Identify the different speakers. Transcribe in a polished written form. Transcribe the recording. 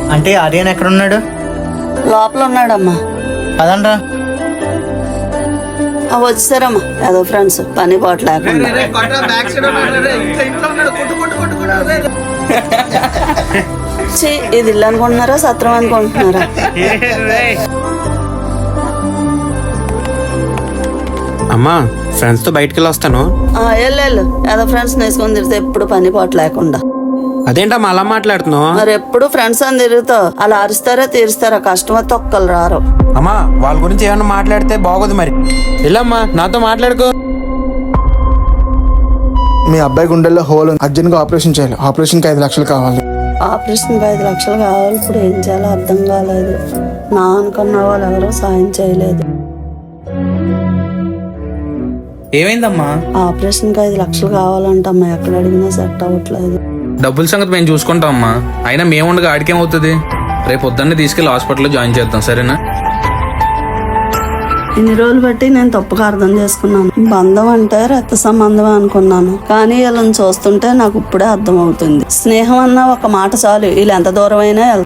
Speaker 1: అంటే ఆర్యన్ ఎక్కడ ఉన్నాడు?
Speaker 2: లోపల ఉన్నాడమ్మా.
Speaker 1: అదండ్రా.
Speaker 2: వచ్చారమ్మా ఏదో ఫ్రెండ్స్ పని పాట లేకుండా. ఇది ఇల్లు అనుకుంటున్నారా సత్రం అనుకుంటున్నారా?
Speaker 3: అమ్మా ఫ్రెండ్స్ తో బయటకు వెళ్ళి వస్తాను.
Speaker 2: వెళ్ళు ఏదో ఫ్రెండ్స్ నేసుకొని తిరిగితే ఎప్పుడు పని పాట లేకుండా.
Speaker 3: అదేంటమ్మా అలా మాట్లాడుతున్నావు?
Speaker 2: మరి ఎప్పుడు ఫ్రెండ్స్ అని తిరుగుతావు. అలా అరుస్తారా తీరుస్తారా? కస్టమర్ తొక్కలు రారు.
Speaker 3: అమ్మా వాళ్ళ గురించి ఏమన్నా మాట్లాడితే బాగోదు. మరి వెళ్ళమ్మా నాతో మాట్లాడుకో.
Speaker 4: మీ అబ్బాయి గుండెల్లో హోల్ అర్జెంట్ గా ఆపరేషన్ చేయాలి. ఆపరేషన్ కి 5 లక్షలు కావాలి.
Speaker 2: ఆపరేషన్ కి 5 లక్షలు కావాలి. ఇప్పుడు ఏం చేయాలో అర్థం కాలేదు. నా అనుకున్న వాళ్ళు ఎవరో సాయం చేయలేదు.
Speaker 5: ఏమైందమ్మా?
Speaker 2: ఆపరేషన్ కి 5 లక్షలు కావాలంటమ్మా. ఎక్కడ అడిగినా సెట్ అవ్వట్లేదు.
Speaker 5: డబ్బుల సంగతి మేము చూసుకుంటాం అమ్మా. అయినా మేముండగా ఆడికేమవుతుంది? రేపు పొద్దున్నే తీసుకెళ్లి హాస్పిటల్లో జాయిన్ చేద్దాం, సరేనా?
Speaker 2: ఇన్ని రోజులు బట్టి నేను తప్పుగా అర్థం చేసుకున్నాను. బంధం అంటే రక్త సంబంధం అనుకున్నాను. కానీ వీళ్ళని చూస్తుంటే నాకు ఇప్పుడే అర్థం అవుతుంది. స్నేహం అన్న ఒక మాట చాలు, వీళ్ళు ఎంత దూరం అయినా